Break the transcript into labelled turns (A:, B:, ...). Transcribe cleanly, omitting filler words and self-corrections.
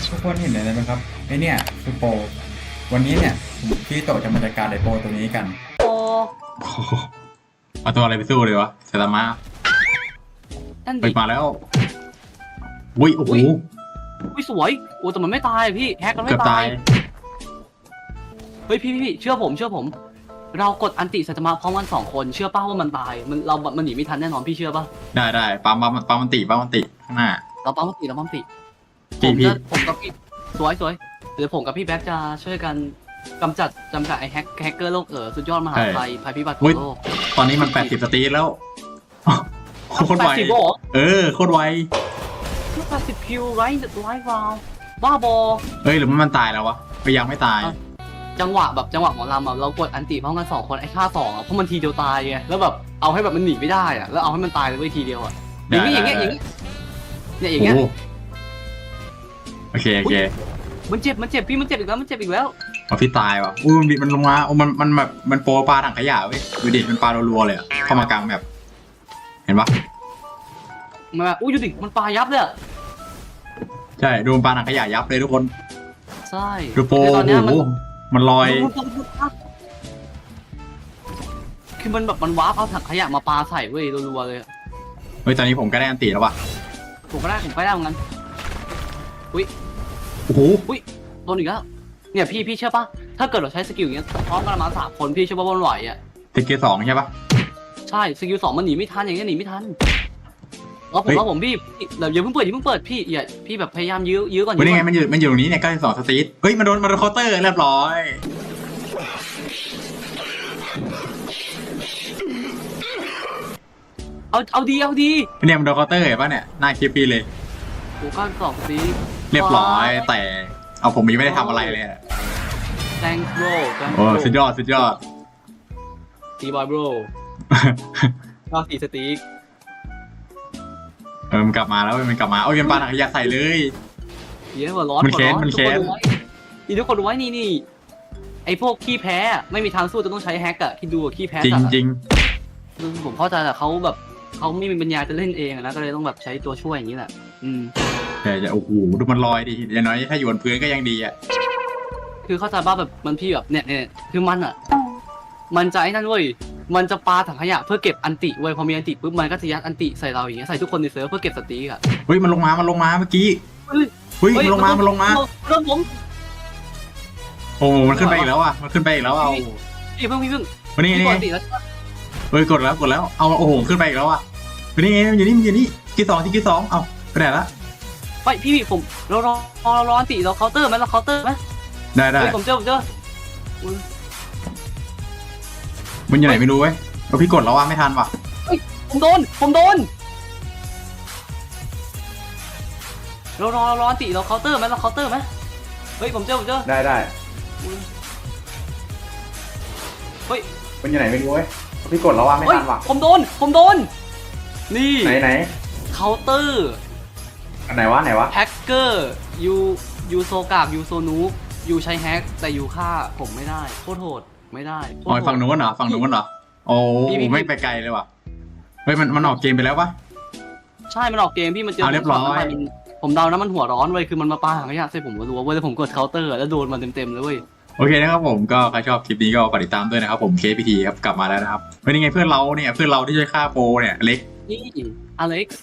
A: ทุกคนเห็นอะไรไหมครับไอเนี่ยคือโปรวันนี้เนี่ยพี่โตจะมาจัดการไอโปรตัวนี้กัน
B: โอ้
C: โอ้โหเอาตัวอะไรไปสู้เลยวะเซตามะ
B: นั่น
C: ไป
B: ดิ
C: มาแล้วอุ้ยโอ้โห
B: อุ้ยสวยโอ้แต่มันไม่ตายพี่แฮกมัน
C: เกื
B: ไม่
C: อบ
B: ตา
C: ตาย ย
B: เฮ้ยพี่เชื่อผมเรากดอันติสัตมาพร้อมกัน2 คนเชื่อป่ะว่ามันตายมันหนีไม่ทันแน่นอนพี่เชื่อป่ะ
C: ได้ปั๊มมันติข้างหน้า
B: เราปั๊มติ
C: พี่
B: ผมกับพี่สวยเดี๋ยวผมกับพี่แบ็คจะช่วยกันกำจัดไอ้แฮกเกอร์โลกสุดยอดมหาภัยพิบัติของโลก
C: ตอนนี้มัน80 สตรีทแล้วโคตรไว
B: 80 บอก
C: โคตรไว
B: 80 คิวไร้วาวบ้าบอ
C: หรือมันตายแล้ววะยังไม่ตาย
B: จังหวะหมอลำเรากดอันติพร้อมกัน2 คนไอ้ค่า2เพราะมันทีเดียวตายไงแล้วแบบเอาให้แบบมันหนีไม่ได้อะแล้วเอาให้มันตายเลยทีเดียวอะอย่างนี้เนี่ยอย่างเงี้ย
C: โอเค
B: มันเจ็บพี่มันเจ็บอีกแล้ว
C: พอพี่ตายวะมันลงมามันแบบมันโปรปลาถังขยะเว้ยดูดิมันปลารัวๆเลยเข้ามากลางแบบเห็นปะ
B: มันแบบดูดิมันปลายับเลย
C: ใช่ดูปลาถังขยะยับเลยทุกคน
B: ใช่
C: ดูโปร
B: ตอนนี้
C: มันลอย
B: คือมันแบบมันวาร์ปเอาถังขยะมาปาใส่เว้ยรัวๆเลย
C: ตอนนี้ผมก็ได้อันตีแล้วว่ะ
B: ผมก็ได้เหมือนกันอุ้ย
C: โอ้โห
B: โดนอีกแล้วเนี่ยพี่เชื่อปะถ้าเกิดเราใช้สกิลอย่างเงี้ยพร้อมกันมา3 คนพี่เชื่อปะว่ามันไหวอ่ะ
C: สกิล 2ใช่ปะ
B: ใช่สกิล 2มันหนีไม่ทันอย่างเงี้ยหนีไม่ทันแล้วผมพี่อย่าเพิ่งเปิดพี่แบบพยายามยื้อก่อน
C: นี่ไงมันอยู่ตรงนี้เนี่ย92 สตรีทมันโดนเคาน์เตอร์เรียบร้อย
B: เอาดี
C: เนี่ยมันโดนเคาน์เตอร์เห็นปะเนี่ยหน้าคลิปพี่เลย
B: โอ้ก้อน2 ซี
C: เรียบร้อยแต่เอาผมยังไม่ได้ทำอะไรเลย
B: thanks bro
C: โอ้สุดยอด
B: ตีบอย bro 94 สตีก
C: มันกลับมาแล้วมันกลับมายันปาถังขยะใส่เลย
B: เยอะกว่าร้อน
C: มันแค้น
B: ทุกคนดูไว้นี่ไอพวกขี้แพ้ไม่มีทางสู้จะต้องใช้แฮกอะที่ดูขี้แพ้
C: จริง
B: ผมเข้าใจแต่เขาแบบเขาไม่มีปัญญาจะเล่นเองนะก็เลยต้องแบบใช้ตัวช่วยอย่างนี้แหละ
C: แต่จะโอ้โหดูมันลอยดิอย่างน้อยถ้าอยู่บนพื้นก็ยังดีอ่ะ
B: คือเข้าใจว่าแบบมันพี่แบบเนี่ยคือมันจะไอ้นั่นเว้ยมันจะปาถังขยะเพื่อเก็บอันติเว้ยพอมีอันติปุ๊บมันก็จะยัดอันติใส่เราอย่างเงี้ยใส่ทุกคนในเซิร์ฟเพื่อเก็บสตีกอะ
C: มันลงมาเมื่อกี้มันลงมา
B: เริ่มผม
C: โอ้มันขึ้นไปอีกแล้วอ่ะเอา
B: พี่เพิ่ง
C: วันนี้กดแล้วเอาโอ้โหขึ้นไปอีกแล้วอ่ะวันนี้อยู่นี่ที่2เอาไปไหนละ
B: ไปพี่ผมเราอันติเราเคาน์เตอร์ไหม
C: ได้
B: ผมเจอ
C: มันอยู่ไหนไม่รู้เว้ยพี่กดแล้วว่าไม่ทันว่ะ
B: ผมโดนเราอันติเราเคาน์เตอร์ไหมผมเจอ
A: ได้
B: เฮ้ย
A: มันอยู่ไหนไม่รู้เว้ยพี่กดแล้วว่าไม่ทันว่ะ
B: ผมโดนนี่
A: ไหน
B: เคาน์เตอร์
A: อันไหนวะ
B: แฮกเกอร์ยูโซกากยูโซนูยูใช้แฮกแต่ยูฆ่าผมไม่ได้โคตรโหดไม่ได้
C: ฝั่งนู้นเหรอโอ้ไม่ไปไกลเลยว่ะมันออกเกมไปแล้วปะ
B: ใช่มันออกเกมพี่มันเจอ
C: เรียบร้อย
B: ผมเดานะมันหัวร้อนเว้ยคือมันมาปาถังขยะใส่ผมรัวๆเว้ยแล้วผมกดเคาน์เตอร์แล้วโดนมันเต็มเลยเว้ย
C: โอเคนะครับผมก็ใครชอบคลิปนี้ก็ฝากติดตามด้วยนะครับผม KPT ครับกลับมาแล้วนะครับเป็นยังไงเพื่อนเราที่ช่วยฆ่าโปรเนี่ยเล็ก
B: นี่อเล็กซ์